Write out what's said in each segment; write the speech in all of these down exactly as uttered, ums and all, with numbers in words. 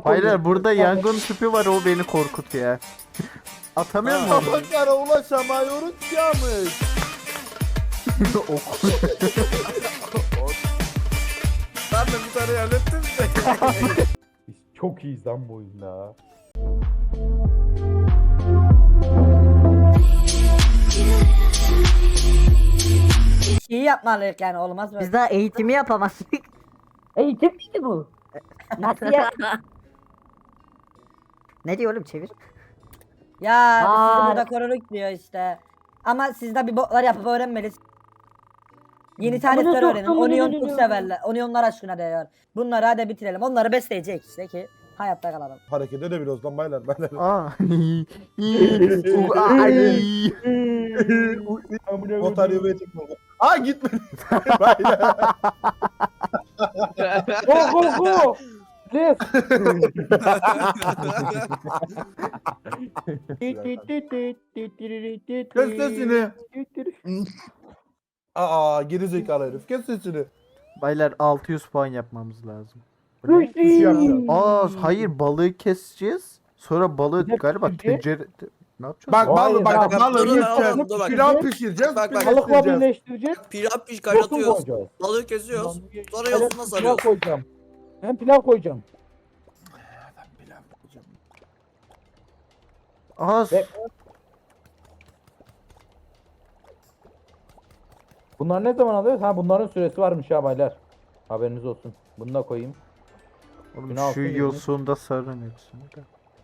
Hayır, burada yangın tüpü var, o beni korkutuyor. Atamıyor mu? Tabaklara ulaşamıyoruz yamış. Oku. Ben de bir tane hallettim de. Biz çok iyiyiz lan bu oyunda. İyi yapmalıyız yani, olmaz mı? Biz daha eğitimi yapamazdık. Eğitim miydi bu? Nasıl ya? Ne diyor oğlum, çevir. Ya biz Aa. sizi burada koruduk diyor işte. Ama siz de bir botlar yapıp öğrenmeliyiz. Yeni tarifler Amına öğrenin. soktum, Onion amına çok soktum. severler. Onionlar aşkına diyor. Bunları hadi bitirelim. Onları besleyecek işte ki hayatta kalalım. Hareket edebiliyoruz lan baylar. Ben de. Aa. U- ay. Motor yuvaya çıkma. Aa gitmedi. Baylar. Go go go! Yes! Kes sesini. Aa geri zekalı herif. Kes sesini. Baylar altı yüz puan yapmamız lazım. Sushi yapacağız. Aa hayır, balığı keseceğiz. Sonra balığı Bir de galiba pişireceğiz. tencere... Ne yapacağız? Bak Hayır, balı bak bak, balı dur, dur, yiyeceğiz. dur, bak. Pilav pişireceğiz. Bak, bak. Balıkla pişireceğiz. birleştireceğiz. Pilav piş Yosun kaynatıyoruz. koyacağız. Balığı kesiyoruz. Sonra Evet, yosunla pilav sarıyoruz. koyacağım. Ben pilav koyacağım. Aa, Ve- Bunlar ne zaman alıyoruz? Ha bunların süresi varmış ya baylar. Haberiniz olsun. Bunu da koyayım. oğlum Günah şu olsun, yosunda sarın hepsini de.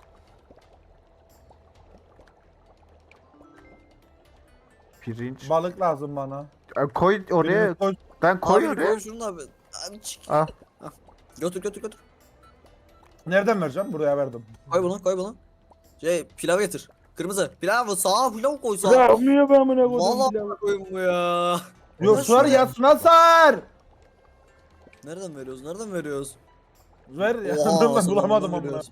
Pirinç. Balık lazım bana. Aa, koy oraya. Birini koy. Ben koy Abi oraya. koy şunu da abi. Abi çık. Al. Götür götür götür. Nereden vereceğim? Buraya verdim. Koy bunu koy bunu. Şey pilav getir. Kırmızı. Pilav sağa pilav koy sağa. Ya niye ben buna koydum Vallahi pilavı? koyun bu ya. Yok sar yasına sar. Nereden veriyoruz? Nereden veriyoruz? Ver ya. Oha, Ben sana bulamadım nereden amına. veriyoruz?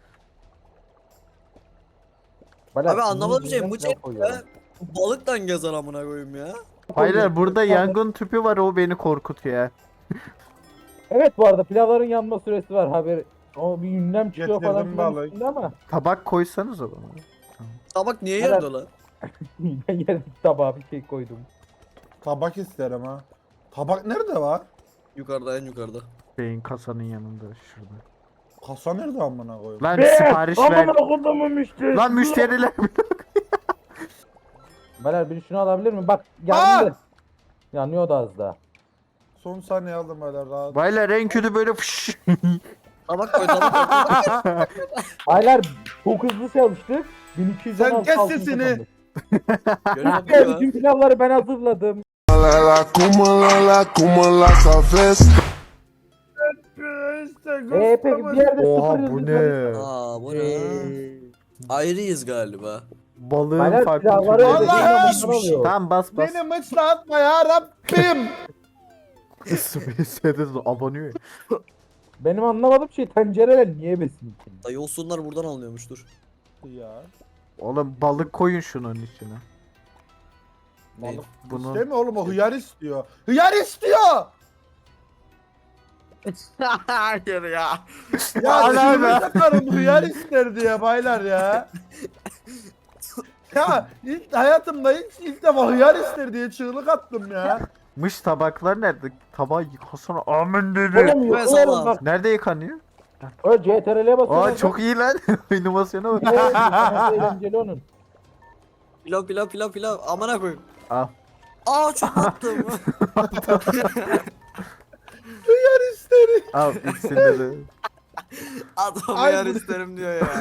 Baylar, Abi anlamadım bir şey. bunun Bu üzerine şey koyuyorum. ya. Balıktan gezer amına koyayım ya. Hayır, burada yangın tüpü var, o beni korkutuyor. Evet bu arada pilavların yanma süresi var haber. O bir ünlem çıkıyor Getirdim falan filan balık. üstünde ama Tabak koysanız o zaman. Tabak niye Evet. yerde lan? ben yere tabağa bir şey koydum. Tabak isterim ha. Tabak nerede var? Yukarıda en yukarıda. Beyin kasanın yanında şurada. Kasa nerede amına koyayım? Lan sipariş ver. Aman okudum müşteri. Lan müşteriler. Baylar biri şunu alabilir mi? Bak Aa! geldi. Yanıyor da az daha. Son saniye aldım böyle rahat. Baylar en kötü böyle fış. Tabak koy tabak koy. Baylar çok hızlı çalıştık. bin iki yüz Sen kes sesini. Görüyor musun Evet, ya? bütün pilavları ben hazırladım. la cúmula la cúmula sabes. Eee peki bir yerde Oha sıfır bu yıldız var. ne? Aa bu ne? Ayrıyız galiba. Balığın Baylar farklı pilavları türleri. Allah! ödediğinde bunlar oluyor. Tamam bas bas. Beni mıçlatma ya Rabbim. Space'de abanıyor. Benim anlamadığım şey tencereler niye besin? Da yosunlar buradan alınıyormuştur. Ya. Oğlum balık koyun şunun içine. Balık Bunun- İstemiyor oğlum o hıyar istiyor. Hıyar istiyor. Hayır ya. Ya Allah çiğneme Allah. takarım hıyar ister diye baylar ya. Ya ilk hayatımda ilk, ilk defa hıyar ister diye çığlık attım ya. Mış tabaklar nerede? Tabağı yıkasana. Amin dedi. Oğlum yok Ben oğlum sana- bak. Nerede yıkanıyor? Öyle C T R L'ye basıyor. Aa çok iyi lan. İnovasyona bak. Evet, eğlenceli onun. Pilav pilav pilav pilav. Amına koyayım. Al. Aa çok attım. Hıyar ister. Al ikisinde de. Adam Ay, yer bu- isterim diyor ya.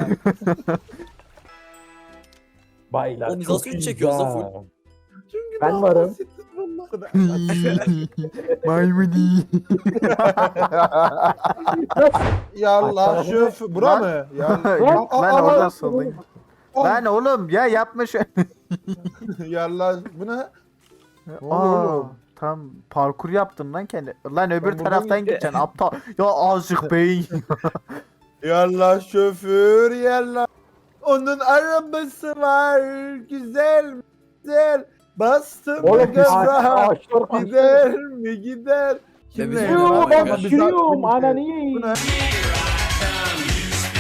Baylar Oğlum biz çok nasıl üç iyi çekiyoruz lan ya. full? Çünkü Ben daha varım. basit vallahi. Maymuni. Ya Allah şöf. Bura Lan. mı? Ya. Yok Aa, lan aa, oradan aa. sollayın. Aa. Lan oğlum ya yapma şu. Ya Allah bu ne? Ne oluyor Aa, oğlum? tam parkur yaptın lan kendi. Lan öbür buradan taraftan gideceğim. gideceksin aptal. Ya azıcık beyin. Yallah şoför yallah. Onun arabası var. Güzel güzel. Bastım Oğlum gaza. ağaçlar kaçtı. Gider mi gider? Ve biz Kimle oynuyoruz gider? Yoo Bak, ben bak, pişiriyorum ananı yiyeyim. Bu ne?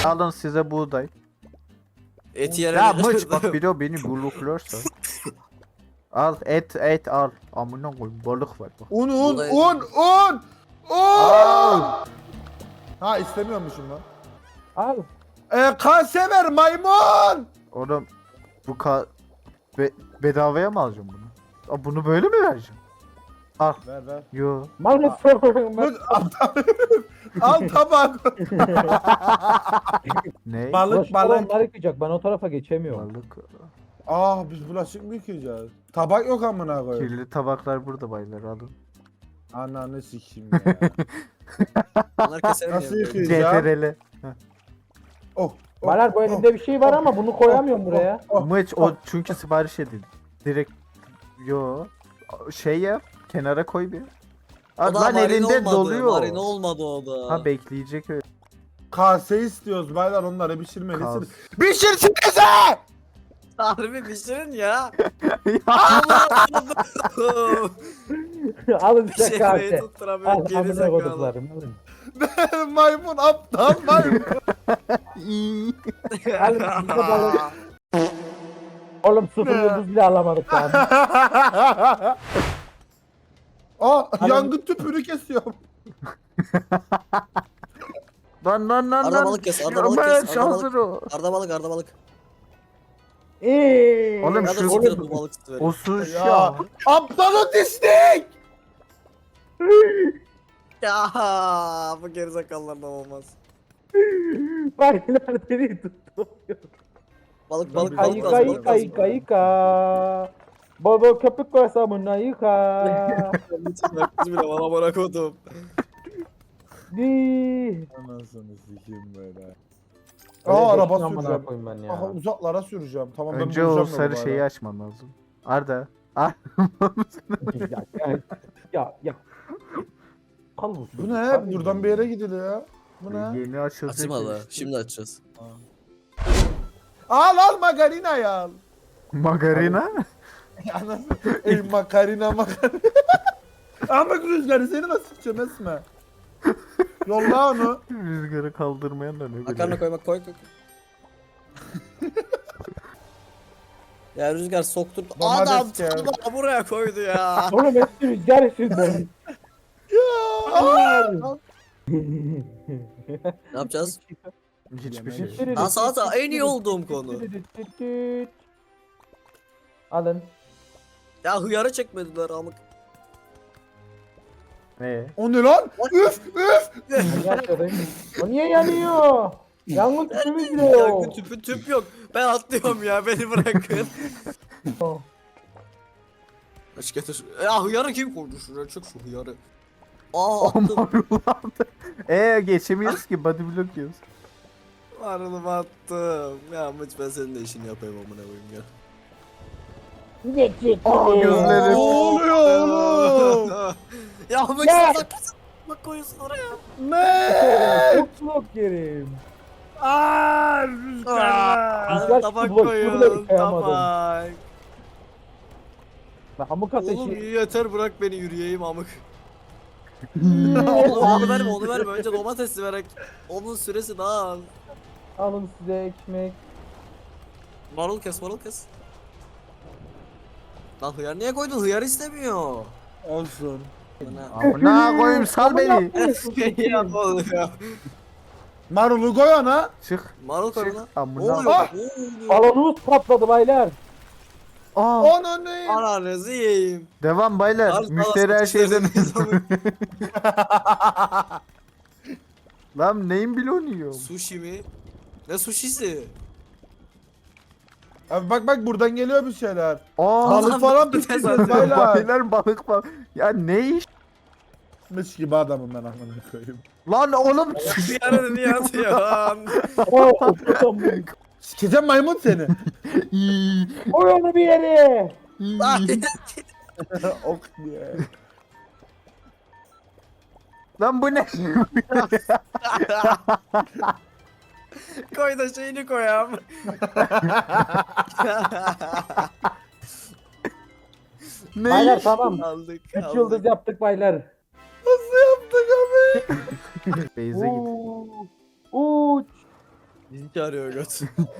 Alın size buğday. Et yerine. Ya mıç bak bir o beni blokluyorsa. Al et et al. Amına koyayım balık var bak. Un un Buğday- un un. Un. Ha istemiyormuşum lan. Al. Ee, kase ver maymun. Oğlum bu ka be bedavaya mı alacağım bunu? Aa, bunu böyle mi vereceğim? Al. Ver ver. Yo. Maalesef. Dur, al, al tabak. Ne? Balık Bulaşıklar balık. onlar yıkayacak. Ben o tarafa geçemiyorum. Balık. Ah biz bulaşık mı yıkayacağız? Tabak yok amına koyayım. Kirli tabaklar burada baylar alın. Ananı sikeyim ya. Bunlar keserim Nasıl ya. yıkayacağım? C T R L. Oh. oh, Baler bu oh. elimde bir şey var ama bunu koyamıyorum buraya. Oh, Mıç o çünkü sipariş edildi. Direkt yo şey yap kenara koy bir. O Abi da lan marine elinde olmadı, doluyor. Marine olmadı o da. Ha bekleyecek öyle. Kase istiyoruz baylar onları pişirmelisiniz. Kas. Pişirsinize! Harbi pişirin ya. Alın size Şehreyi kahve. Al tutturamıyorum geri amına zekalı. koduklarım. Alın. Maymun aptal maymun. Alın size balık. Oğlum sıfır yıldız bile alamadık lan. Aa yangın tüpünü kesiyorum. Lan lan lan Arda lan. balık kes, arda Ya balık kes, Mıç, arda hazır o. Arda balık, arda balık. Eee. Oğlum Ya da şu- siktir bu balık sütü verin. O suş Ya ya. aptal otistik. Ya bu gerizekalılardan olmaz. Baylar beni tuttu. Balık balık balık Ayıka lazım, balık yıka lazım. yıka yıka. Baba köpük koysa buna yıka. Kız bile bana bana kodum. Di. Anasını sikeyim böyle. Öyle Aa araba geçtim amına süreceğim. koyayım ben ya. Aha uzaklara süreceğim. Tamam ben Önce o bulacağım da sarı bu şeyi arada. açman lazım. Arda. Ar ya, ya, ya, ya. Al bu. Bu ne? Buradan bir yere gidiliyor. Bu ne? Yeni açılacak. Açmadı. işte. Şimdi açacağız. Al al makarina al. Margarina? Anasını. Ey makarina makarina. Ama rüzgarı seni nasıl sıkacağım Esme? Yolla onu. Rüzgarı kaldırmayan da ne Makarna bileyim. koymak koy koy. Ya Rüzgar soktur. Domates Adam gel. tuttu buraya koydu ya. Oğlum hepsi rüzgar yüzünden. Ne yapacağız? Hiçbir şey. Aa salata en iyi olduğum konu. Alın. Ya hıyarı çekmediler amık. Ne? O ne lan? Üf üf. Gerçekten. O niye yanıyor? Yangın tüpümüz bile Yangın yok. tüpü tüp yok. Ben atlıyorum ya beni bırakın. Aç getir. Ya hıyarı kim koydu şuraya? Çık şu hıyarı. Aa attım. Eee geçemiyoruz ki body block yiyoruz. Marul'umu attım. Ya Mıç ben senin de işini yapayım amına koyayım ya. Ne çekti? Aa, gözleri. Ne oluyor oğlum? Ya Mıç Ya! salak mısın? Bak koyuyorsun oraya. Ne? Uçluk yerim. Aaa rüzgar. Rüzgar Tabak çıktı, bulaşığı bile koyuyorsun yıkayamadım. tabak. Bak hamuk Oğlum ateşi. yeter bırak beni yürüyeyim amık. Oğlum onu verme onu verme önce domatesi vererek. Onun süresi daha az. Alın size ekmek. Marul kes marul kes. Lan hıyar niye koydun? Hıyar istemiyor. Olsun. Bana. Amına koyayım sal beni. Ya ne oluyor? Marulu koy ona. Çık. Marul koy Çık. bana. Ne Amına. oluyor? Ah! Ne oluyor? Balonumuz patladı baylar. Aa. Onu ne? Ananızı yiyeyim. Devam baylar. Al, al, Müşteri her al, şeyden. al. Lan neyin bloğunu yiyor? Sushi mi? Ne sushisi? Abi bak bak buradan geliyor bir şeyler. Aa. Balık falan pişireceğiz baylar. Baylar balık var. Ya ne iş? Mış gibi adamım ben amına koyayım. Lan oğlum. Hıyarı niye atıyorsun? Oo, oturtam bu. Sikeceğim maymun seni. İyi, Koy onu bir yere. iyi. Ok diye. Lan bu ne? Koy da şeyini koyam. ne Baylar iş? tamam. Aldık. Üç aldık. yıldız yaptık baylar. Nasıl yaptık abi? Beyze git. Uuu. Uç. Bizi çağırıyor göt.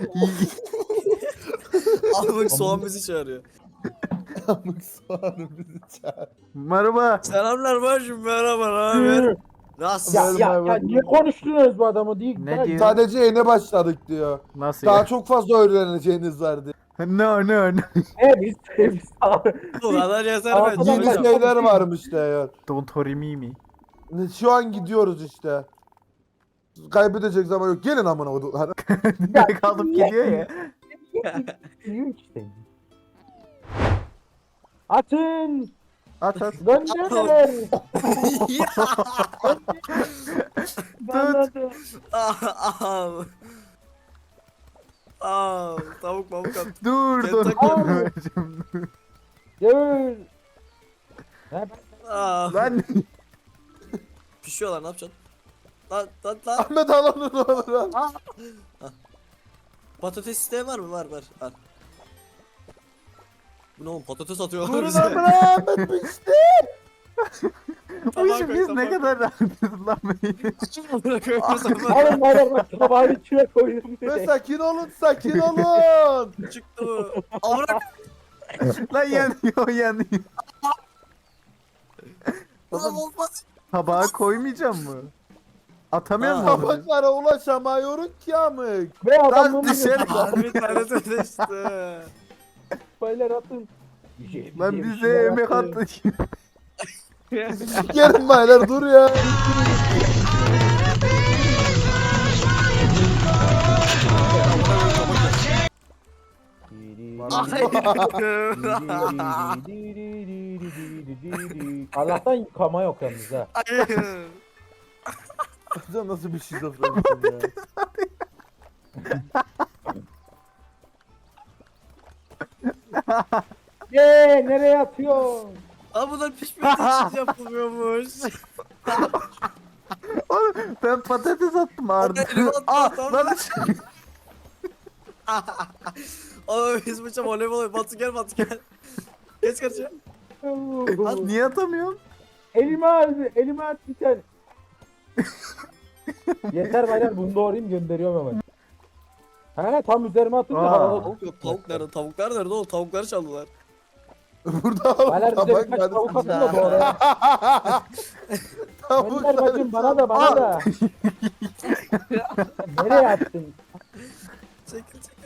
Ahmet soğan bizi çağırıyor. Amık soğanı bizi çağır. Merhaba. Selamlar başım, merhaba, ne haber? Nasılsın? Ya ya ya niye konuştunuz bu adamı değil? Ne Ben- diyor? Sadece yeni başladık diyor. Nasıl Daha ya? çok fazla öğreneceğiniz var diyor. No no no. He biz biz Bu kadar yeter Aa, ben tamam, Yeni ben- çıkacağım. şeyler varmış diyor. Don't hurry me me. Şu an gidiyoruz işte. Kaybedecek zaman yok. Gelin amına koyduğum. Direkt alıp gidiyor ya. Büyük işte. Atın! At at. Gönder! Ya. Gönder! Ah, ah. Ah, tavuk mavuk at. Dur dur. Kentucky. Vereceğim. Gör! Ha, Ah. Lan Pişiyorlar, ne yapacaksın? Lan lan lan. Ahmet al onu ne olur al. Patates isteği var mı? Var var. Al. Bu ne oğlum, patates atıyorlar Durun bize. amına Ahmet pişti. bu işi biz ne kadar rahatız lan böyle. alın baylar bak tabağı içine koydum. Ve sakin olun sakin olun. Çıktı bu. Avrak. Lan yanıyor yanıyor. Lan olmaz. Tabağa koymayacağım mı? Atamıyor Ha. mu onu? Tabaklara ulaşamıyorum ki amık. Ve Lan adamın dışarı. Bir tanesi düştü. baylar atın. Lan bize emek attı. Gelin baylar dur ya. Allah'tan yıkama yok yalnız ha. Hayır. Sen nasıl bir şizofrenisin ya. Yeee nereye atıyorsun? Aa, bunlar pişmediği için yapılmıyormuş. Oğlum ben patates attım Arda. Elimi attı, Aa tamam. lan. Oğlum biz bıçak voleybol oynuyoruz. Batu gel, Batu gel. Geç karşıya. Lan niye atamıyorum? Elime al, elime at bir tane. Yeter baylar bunu doğrayayım gönderiyorum hemen. He tam üzerime atınca Aa. havada. Tavuk yok, tavuk nerede? Tavuklar nerede oğlum? Tavukları çaldılar. Burada Baylar bize tabak birkaç var. tavuk atın da doğrayalım. Tavuk Gönder bacım bana da bana da. Nereye attın? Çekil çekil.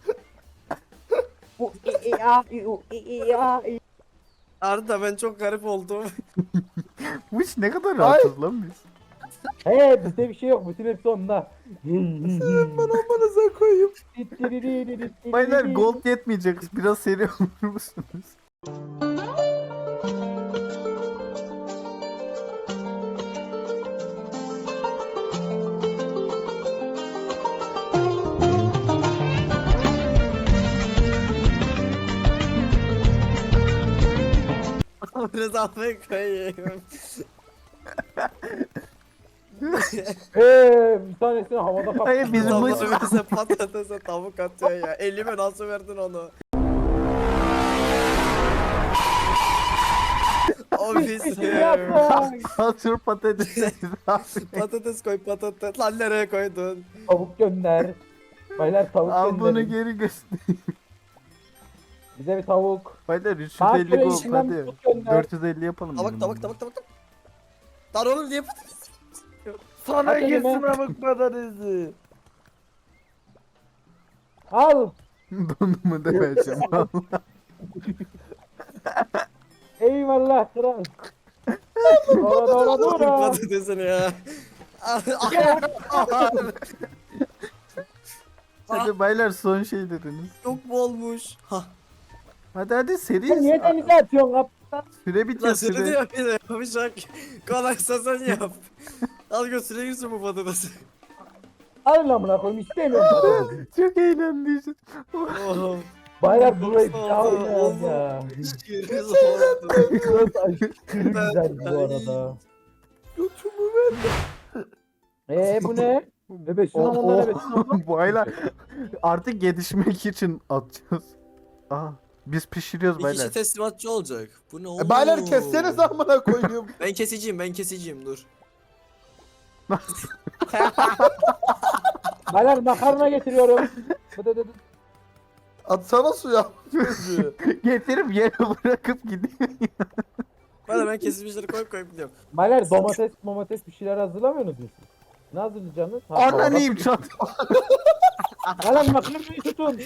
Bu i i a i u i i a i. Arda ben çok garip oldum. Bu iş ne kadar rahatız lan biz. He bizde bir şey yok bütün hepsi onda. Ben amanıza koyayım. Baylar gold yetmeyecek. Biraz seri olur musunuz? Biraz almaya koyayım. Eee bir tanesini havada kaptım. Hayır bizim bu Tavuk bize patatese tavuk atıyor ya. Elime nasıl verdin onu? Ofisim. Yapma. Hazır patates. Patates koy, patates. Lan nereye koydun? Tavuk gönder. Baylar tavuk Al bunu gönderin. geri göster. Bize bir tavuk. Baylar üç yüz Saat elli gold içinden hadi. tut gönder. dört yüz elli yapalım. Tabak benim tabak bunu. tabak tabak tabak. Lan oğlum niye patates? Sana Hadi gitsin elime. amık patatesi. Al. Donumu da vereceğim. Eyvallah kral. Doğra doğra Oğlum doğra. patatesini ya. Hadi baylar son şey dediniz. Çok mu olmuş? Ha. Hadi hadi Sen seri. niye denize atıyorsun kaptan? Süre Lan bitiyor seni de süre. yap yine yapamayacak. Kolaysa sen yap. Al götüre girsin bu patatesi. Al lan buna koyayım istemiyorum patatesi. Çok eğlendim. Oğlum. Baylar burayı bir Oldu, daha oldu. oynayalım ya. Şiiriz oldu. Burası aşırı güzel bu arada. Götümü ver. Eee bu ne? Bebesin Oh, ama oh. bebesin. Baylar artık gelişmek için atacağız. Aha biz pişiriyoruz Bir baylar. kişi teslimatçı olacak. Bu ne oğlum? E, baylar kesseniz amına koyayım. Ben keseceğim, ben keseceğim dur. Baylar makarna getiriyorum. Bıdı dı dı. Atsana suya. Getirip yere bırakıp gidiyor. Böyle ben kesilmişleri koyup koyup gidiyorum. Baylar domates domates bir şeyler hazırlamıyorsunuz mu siz? Ne hazırlayacaksınız? Ha, Ananıyım çat. Baylar makarnayı tutun.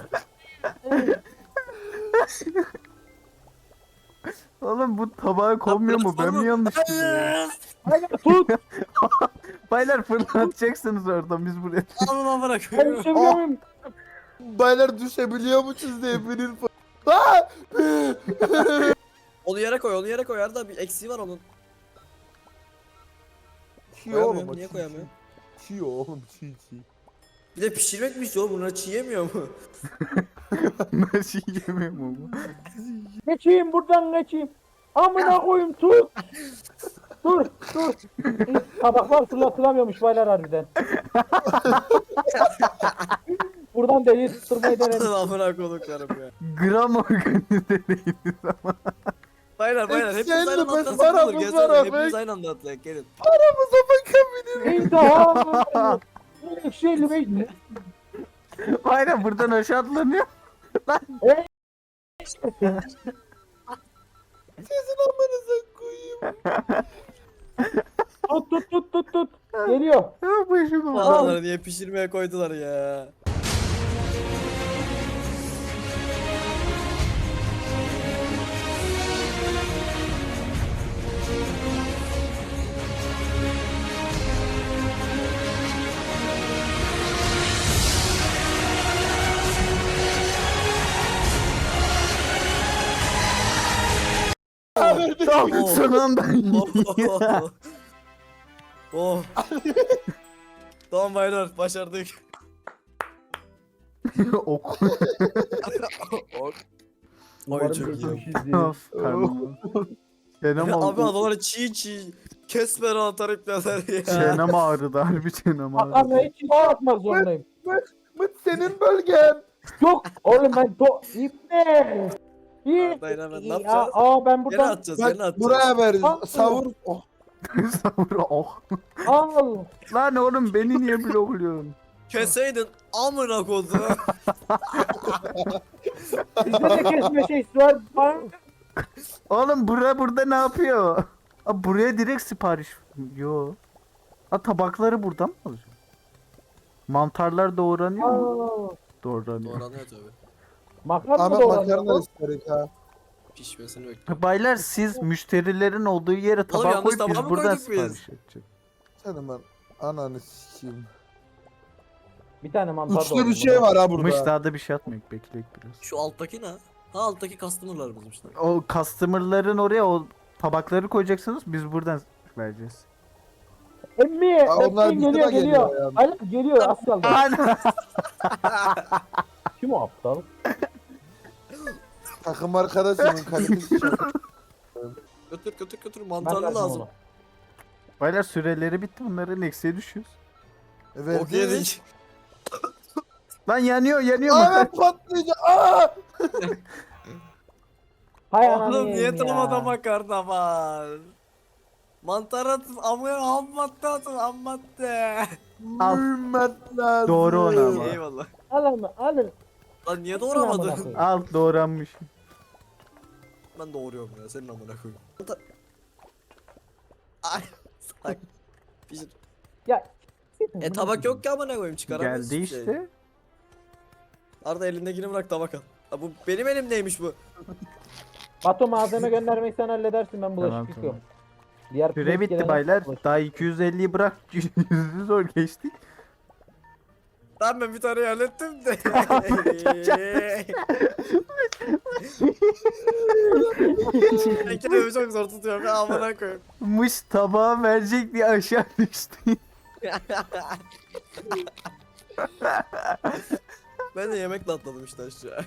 Oğlum bu tabağa konmuyor mu? Ben mi yanlış biliyorum? Baylar tut. Baylar fırlatacaksınız oradan biz buraya. Alın amına Ben koyuyorum. düşebiliyor muyum? Baylar düşebiliyor musunuz diye benim Aa! Onu yere koy, onu yere koy. Arada bir eksiği var onun. Çiğ Koyamıyor, oğlum. o niye çiğ, koyamıyor? Çiğ Çiğ oğlum çiğ çiğ. Bir de pişirmek mi istiyor? Bunlar çiğ yemiyor mu? Nasıl yemiyor mu bu? Geçeyim buradan geçeyim. Amına koyayım tut. Dur dur. Tabaklar fırlatılamıyormuş baylar harbiden. Buradan deliği tutturmayı denedim. Amına koyduklarım ya. Gram organize değiliz ama. Baylar baylar hepimiz Eksenli aynı anda biz atlasak var, olur. biz Gelsene var, hepimiz biz. aynı anda atlayak gelin. Aramıza bakabilir. İntiham. Ekşi elli beş mi? Aynen buradan aşağı atlanıyor. Sizin amanıza koyayım. Tut tut tut tut tut. Geliyor. Ha başım ağrıyor. Adamları niye pişirmeye koydular ya? Tamam Oh. son anda. Oh. Oh. Tamam baylar başardık. Ok. Oh. Umarım Ay çok iyi. geçmişizdir. Of karnım. Çenem Abi ağrıdı. adamları çiğ çiğ kesmeden atarıp yazar ya. Çenem ağrıdı harbi çenem ağrıdı. Makarnayı çiğ atmak zorundayım. Mıt senin bölgen. Yok oğlum ben to... İpne. İyi. Dayın hemen ne Aa, yapacağız? aa ben Gene buradan atacağız gene Bak atacağız. buraya ver. Al. Savur. Oh. Savur oh. al. Lan oğlum beni niye blokluyorsun? Keseydin amına kodu. Bizde de kesme şeysi var. Bak. Oğlum bura burada ne yapıyor? Aa, buraya direkt sipariş. Yo. Ha tabakları buradan mı alacağım? Mantarlar doğranıyor mu? Aa, Doğranıyor. Doğranıyor tabi. Makarna Ahmet da makarna oranıyor. isterik ha. Pişmesini bekliyorum. Baylar siz müşterilerin olduğu yere tabak yalnız koyup tabağı biz mı buradan koyduk biz? sipariş edeceğiz. Senin ben ananı sikeyim. Bir tane mantar Üçlü doğradım bir şey buna. var ha burada. Mış daha da bir şey atmayık bekleyek biraz. Şu alttaki ne? Ha alttaki customer'larımızmış lan. O customer'ların oraya o tabakları koyacaksınız biz buradan vereceğiz. Emmi. Aa, onlar Emmi bize geliyor de geliyor. geliyor yani. Hayır geliyor az kaldı. Ana! Kim o aptal? Takım arkadaşımın kalitesi çok. Götür götür götür Ben mantarlı verdim lazım. onu. Baylar süreleri bitti bunların eksiğe düşüyoruz. Evet. Ok yedik. Lan yanıyor yanıyor mu? Ahmet patlayacak. Aa! Hay ananı Oğlum niye yiyeyim ya. tanımada makarna var? Mantar atıp amına ham madde atıp ham madde. Al. Mühimmet lazım. Doğru ona ama. Eyvallah. Alın alın. Lan niye Amına doğramadın? koyayım. Al doğranmış. Ben doğruyorum ya senin amına koyayım. Mantar... Ay salak. Pişir. Ya. E tabak yok ki amına koyayım çıkaramıyorsun Geldi şey. işte. Arda elindekini bırak tabak al. Ha, bu benim elimdeymiş bu. Batu malzeme göndermeyi sen halledersin ben bulaşık Tamam, yıkıyorum. Diğer Süre pilot bitti gelene baylar. bulaşık- Daha iki yüz elliyi bırak. yüzü zor geçtik. Tamam ben bir tane hallettim de. Ben kendimi çok zor tutuyorum ya amına koyayım. Mış tabağı verecek diye aşağı düştü. Ben de yemekle atladım işte aşağı.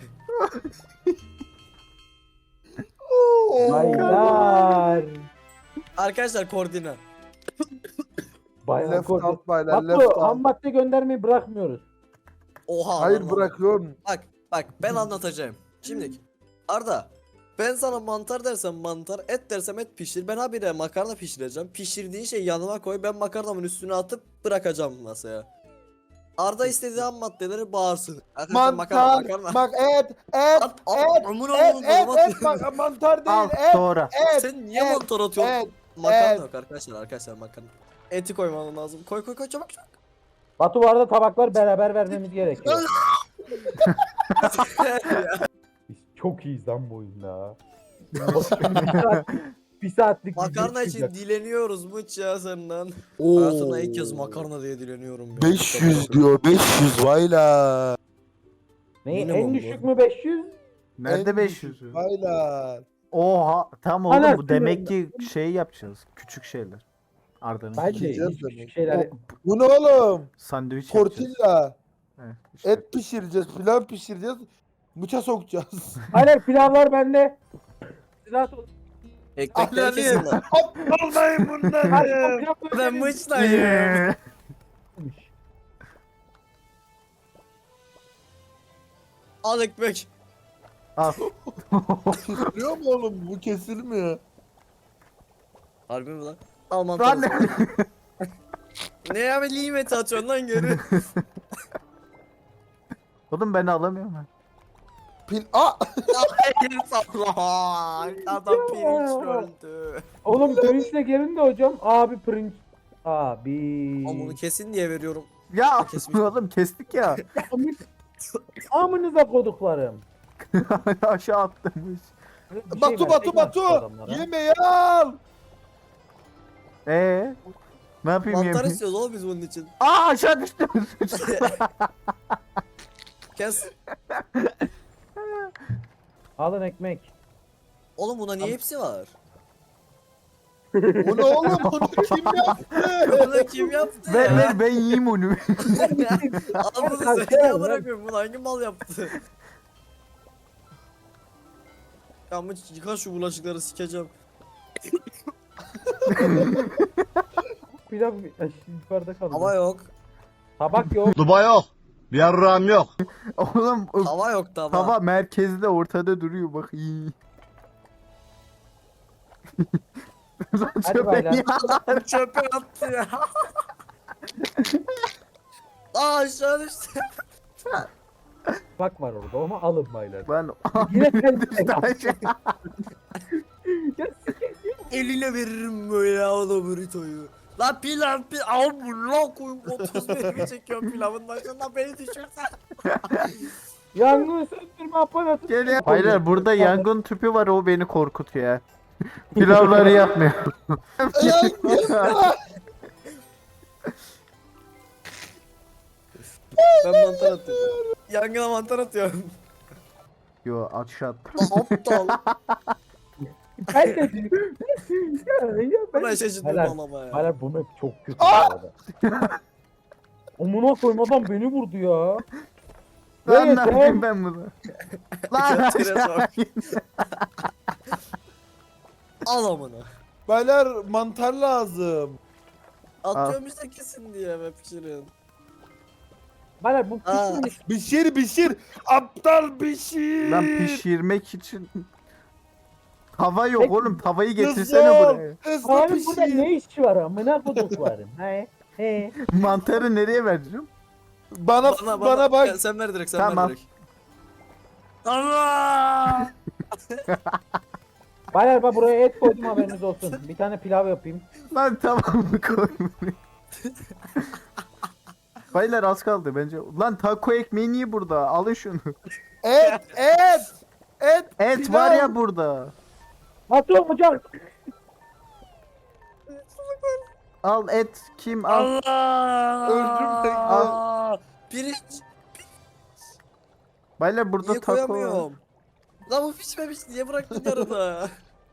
Baylar. Arkadaşlar koordina. Baylar Left korktu. out baylar. Left Batu ham out. madde göndermeyi bırakmıyoruz. Oha. Hayır lan lan. bırakıyorum. Bak bak ben anlatacağım. Şimdi Arda ben sana mantar dersem mantar, et dersem et pişir. Ben habire makarna pişireceğim. Pişirdiğin şeyi yanıma koy. Ben makarnamın üstüne atıp bırakacağım masaya. Arda istediği ham maddeleri bağırsın. Arkadaşlar makarna Mantar, makarna. bak et, et, At, at, et, amına et, koyayım, et, domat. et, bak mantar değil, Al et, doğru. et, Sen niye et, mantar atıyorsun? et. Makarna et. yok arkadaşlar arkadaşlar makarna. Eti koyman lazım. Koy koy koy çabuk çabuk. Batu bu arada tabaklar beraber vermemiz gerekiyor. Biz çok iyiyiz lan bu oyunda. bir, saat, bir saatlik Makarna video için çıkacak. dileniyoruz Mıç ya senden. Oo. Hayatımda ilk kez makarna diye dileniyorum ya. beş yüz diyor, beş yüz vayla. Ne Minimum en bu. düşük mü beş yüz? Nerede En beş düşük, yüz? Vayla. Oha tam oğlum Hala bu demek ki şey yapacağız. Küçük şeyler. Arda'nın Bence Yiyeceğiz hiç demek. küçük şeyler. Bu ne oğlum? sandviç yapacağız. Tortilla. Evet, işte. Et pişireceğiz, pilav pişireceğiz. Bıça sokacağız. Hayır pilavlar bende. Siz rahat olun. Ekmekleri kesin lan. Olmayın bunları. Hadi, pilav Ben koyalım. Mıç'tayım. Ee, Al ekmek. Al. Kesiliyor mu oğlum? Bu kesilmiyor. Harbi mi lan? Al mantarı. Lan Ne ya be limeti atıyorsun lan geri. Oğlum ben alamıyorum ben. Pil... Aa! Hayır salla. Adam pirinç öldü. Oğlum pirinçle gelin de hocam. Abi pirinç. Abi. Ama bunu kesin diye veriyorum. Ya Kesmiş. oğlum kestik ya. Amınıza koduklarım. Aşağı attım. Bir şey Batu versek Batu nasıl Batu! adamlara? Yemeği al! Ee, ne yapayım Mantar yemeği? istiyoruz oğlum biz bunun için. Aa aşağı düştüm. Kes. Alın ekmek. Oğlum buna niye hepsi var? Bu ne oğlum? Bunu kim yaptı? Bunu kim yaptı ver ya? ver ben yiyeyim onu. Al bunu Kanka, sen ya lan. bırakıyorum. Bunu hangi mal yaptı? Ya Mıç yıka şu bulaşıkları sikeceğim. Pilav Ay, yukarıda kaldı. Hava yok. Tabak yok. Duba yok. Bir yarrağım yok. Oğlum o Hava yok tava. tava merkezde ortada duruyor bak iyi. Lan Hadi çöpe baylar. ya. Çöpe attı ya. Aa aşağı düştü. Tabak var orada ama alın baylar. Ben Yine sen Ya Eline veririm böyle o burritoyu. La pilav pilav. Al bunu la koyun. otuz bölümü çekiyorum pilavın başında beni düşürsen. Yangın söndürme aparatı. Gel ya. Hayır burada yangın tüpü var o beni korkutuyor ya. Pilavları yapmıyor. Ben mantar atıyorum. Yangına mantar atıyorum. Yo aşağı at. Aptal. Ben de diyorum. ya, ya ben... Buna şaşırdım Helal. ama ya. Hala bu map çok kötü bu arada. Amına koyayım adam beni vurdu ya. Lan Evet, ne yapayım ben bunu? Lan Götüre aşağı. sok. Al amına. Baylar mantar lazım. Atıyorum işte kesin diye be pişirin. Bana bu Aa. pişmiş. Pişir pişir. Aptal pişir. Lan pişirmek için tava yok Peki, oğlum tavayı Hızlı getirsene ol, buraya. Hızlı Abi burada pişir. ne işi var amına koduklarım. He. He. Mantarı nereye vereceğim? Bana, bana, bak. Sen, sen ver direkt sen Tamam. ver direkt. Allah! Baylar bak buraya et koydum haberiniz olsun. Bir tane pilav yapayım. Lan tamam mı koy buraya. Baylar az kaldı bence. Lan taco ekmeği niye burada? Alın şunu. Et et. Et. Et pilav. var ya burada. Batu ocak. Al et kim al. Allah! Öldüm tek- Aa! Pirinç Baylar burada niye taco var. koyamıyorum? Lan bu pişmemiş niye bıraktın yarıda?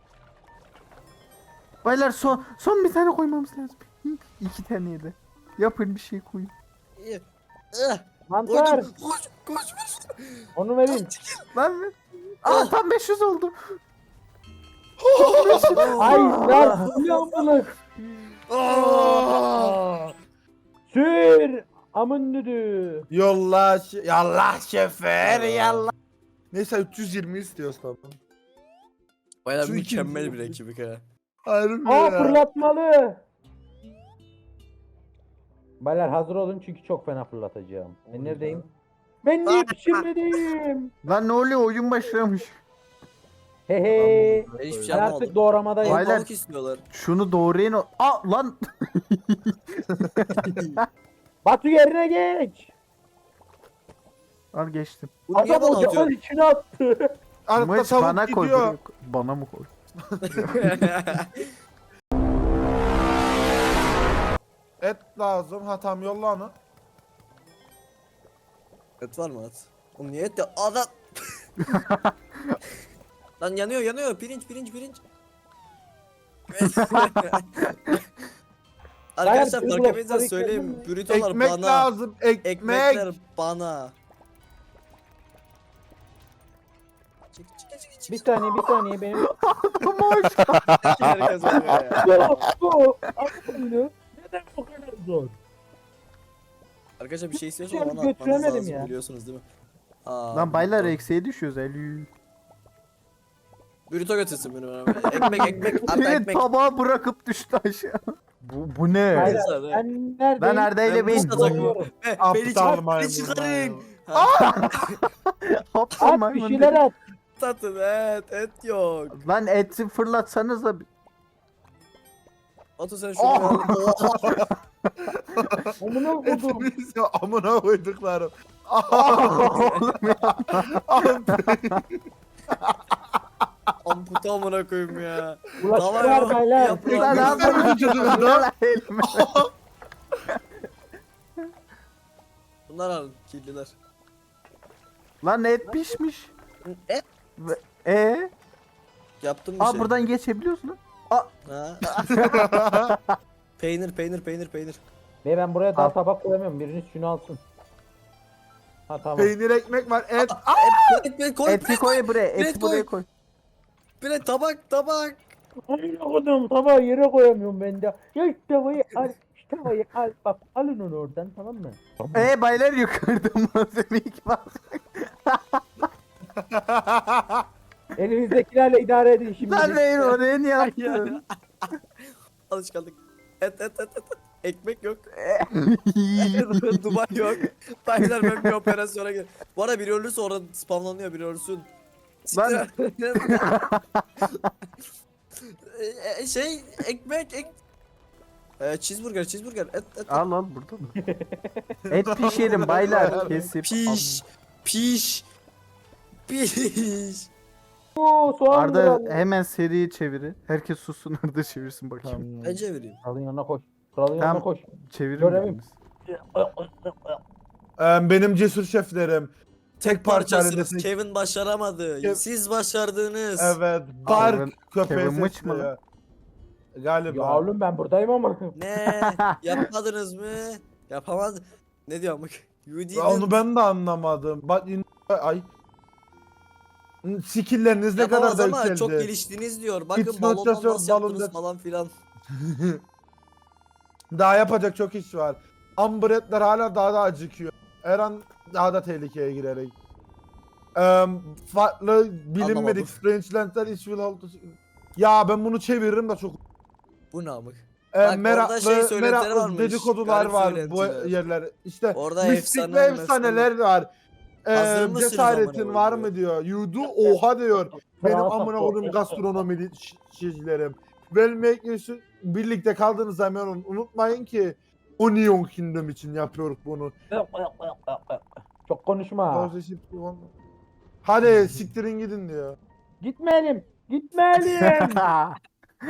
Baylar son son bir tane koymamız lazım. Hı, İki tane de. Yapın bir şey koyun. İyi. Eh, Mantar. Koydum. Koş koş koş. Onu vereyim. Lan ver. Aa tam beş yüz oldu. Ay lan bu ne amına. Aa! Sür. Amın düdü. Yolla şe- yallah şefer yallah. Neyse üç yüz yirmi istiyoruz tamam. Bayağı Şu iki- mükemmel bir ekibik ha. Harbi Aa ya. fırlatmalı. Baylar hazır olun çünkü çok fena fırlatacağım. Ben neredeyim? Ben niye pişirmedim? Lan ne oluyor, oyun başlamış. He he. Ben hiçbir şey Ben anlamadım. artık doğramadayım. Baylar- Balık istiyorlar. Şunu doğrayın o. Aa lan. Batu yerine geç. Al geçtim. Bu niye Adam bana ocağın atıyorsun? içine attı. Arada Mıç tavuk bana koy. gidiyor. buraya koy. Bana mı koy? Et lazım. Ha tamam yolla onu. Et var mı at? Oğlum niye et de adam. Lan yanıyor yanıyor pirinç pirinç pirinç. Arkadaşlar Bayağı fark bir etmediyseniz blok söyleyeyim. tabii Burritolar Ekmek bana. lazım. Ekmek. Ekmekler bana. Çık çık çık çık. Bir saniye bir saniye benim. Herkes oluyor ya. Bu. Aklını. Neden bu kadar zor? Arkadaşlar bir şey Hiçbir istiyorsanız şey bana atmanız götüremedim lazım ya. biliyorsunuz değil mi? Aa, Lan baylar burrito. eksiğe düşüyoruz. Elü. Burrito götürsün beni bana. Ekmek ekmek at Bir ekmek. tabağı bırakıp düştü aşağı. Bu, bu ne? Hayır. Neyse, hadi. Ben neredeyim? Ben neredeyle Ben ben. Mustafa takımı. Doğruyorum. Eh, Aptal Beni çıkar, maymun beni çıkarın. Aptal At bir maymun şeyler dedi. at. Satın et, et yok. Lan eti fırlatsanıza. Batu sen şunu ver. Oha. Amına kodum. Etimiz ya amına koyduklarım. Oğlum ya. Amputa amına koyayım ya. Ulaştılar Tamam, baylar. yap- Lan ne yapıyorsun? Lan elime. Bunlar alın, kirliler. Lan et pişmiş. Et? Ve- E? Yaptım bir Aa şey. buradan geçebiliyorsun lan. Ha? peynir, peynir, peynir, peynir. Ve ben buraya daha Al. tabak koyamıyorum. Biriniz şunu alsın. Ha tamam. Peynir ekmek var. Et. Et, et, koy, Eti koy buraya. Eti Direkt buraya koy. koy. Bire tabak, tabak. Amına kodum tabağı yere koyamıyorum ben de. Ya şu tavayı al. Şu tavayı al. Bak alın onu oradan tamam mı? E baylar yukarıda malzeme iki bak. Elinizdekilerle idare edin şimdi. Lan Reyna oraya niye attın? Alışkanlık. Et, et, et, et. Ekmek yok. Duman yok. Baylar ben bir operasyona gir. Bu arada biri ölürse orada spamlanıyor, biri ölsün. Lan- E, e, şey ekmek ek... E, cheeseburger cheeseburger et et. Al al burada mı? Et pişirin baylar kesip. Piş piş piş. Oo soğan Arda Arda... hemen seriyi çeviri. Herkes sussun Arda çevirsin bakayım. Tamam. Ben çevireyim. Kralın yanına koş. Kralın Tamam. yanına koş. Çevirin Görevim. biriniz. Ee, benim cesur şeflerim. Tek parça Parçasınız. halinde- Kevin başaramadı. Kev- Siz başardınız. Evet. Bark Kevin- köpeği Kevin Mıç mı seçti. Galiba. Ya oğlum ben buradayım ama. Ne? Yapmadınız mı? Yapamaz. Ne diyor amık? You Ya didn't. onu ben de anlamadım. Bak in- ay. Skill'leriniz ne kadar Yapamaz da ama yükseldi. çok geliştiniz diyor. Bakın It's not balondan just your nasıl yaptınız balon falan filan. Daha yapacak çok iş var. Ambretler hala daha da acıkıyor. Her an daha da tehlikeye girerek. Eee farklı bilinmedik Anlamadım. Strange Lands'ler iş will hold to- Ya ben bunu çeviririm de çok. Bu ne amık? Ee, Bak, orada meraklı, şey söylentileri meraklı varmış, dedikodular garip var bu söylentiler. yerler. İşte Orada mistik efsane ve efsaneler var. Ee, Hazır mısınız cesaretin amına var koyayım? mı diyor. Yudu oha diyor. Benim Kral amına sapı. koyduğum gastronomi çizgilerim. Well birlikte kaldığınız zaman unutmayın ki Onion Kingdom için yapıyoruz bunu. Çok konuşma. Hadi siktirin gidin diyor. Gitmeyelim. Gitmeyelim.